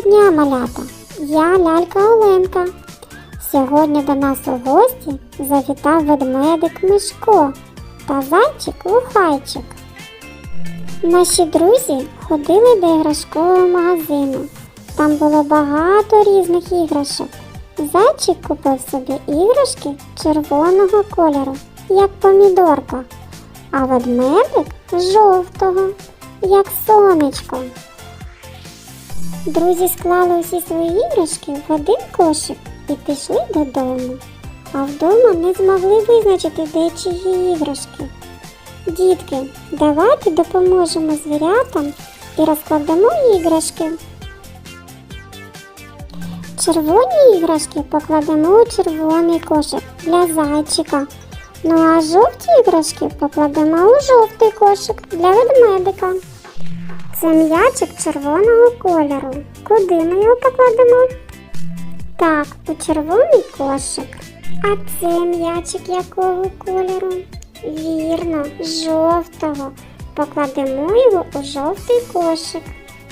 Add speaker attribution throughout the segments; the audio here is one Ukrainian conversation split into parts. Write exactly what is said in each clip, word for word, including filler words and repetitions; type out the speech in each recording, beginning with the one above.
Speaker 1: дня, малята! Я лялька Оленка. Сьогодні до нас у гості завітав ведмедик Мишко та зайчик Лухайчик. Наші друзі ходили до іграшкового магазину. Там було багато різних іграшок. Зайчик купив собі іграшки червоного кольору, як помідорка, а ведмедик жовтого, як сонечко. Друзі склали усі свої іграшки в один кошик і пішли додому. А вдома не змогли визначити, де чиї іграшки. Дітки, давайте допоможемо звірятам і розкладемо іграшки. Червоні іграшки покладемо у червоний кошик для зайчика. Ну а жовті іграшки покладемо у жовтий кошик для ведмедика. Це м'ячик червоного кольору. Куди ми його покладемо? Так, у червоний кошик. А це м'ячик якого кольору? Вірно, жовтого. Покладемо його у жовтий кошик.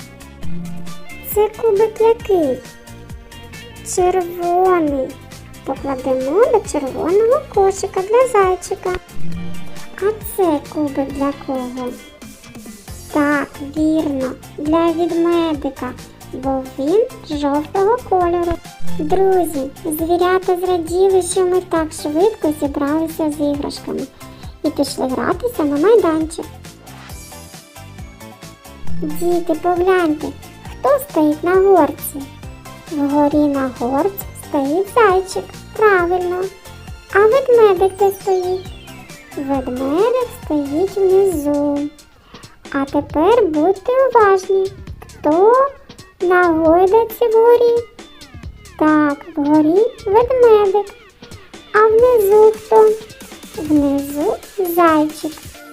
Speaker 1: Це кубик який? Червоний. Покладемо до червоного кошика для зайчика. А це кубик для кого? Так, вірно, для ведмедика, бо він жовтого кольору. Друзі, звірята зраділи, що ми так швидко зібралися з іграшками і пішли гратися на майданчик. Діти, погляньте, хто стоїть на горці? Вгорі на горці стоїть зайчик, правильно. А ведмедик де стоїть? Ведмедик стоїть внизу. А тепер будьте уважні, хто на гойдалці вгорі? Так, вгорі ведмедик. А внизу хто? Внизу зайчик.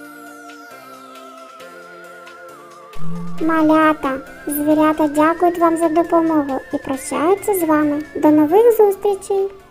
Speaker 1: Малята, звірята дякують вам за допомогу і прощаються з вами. До нових зустрічей!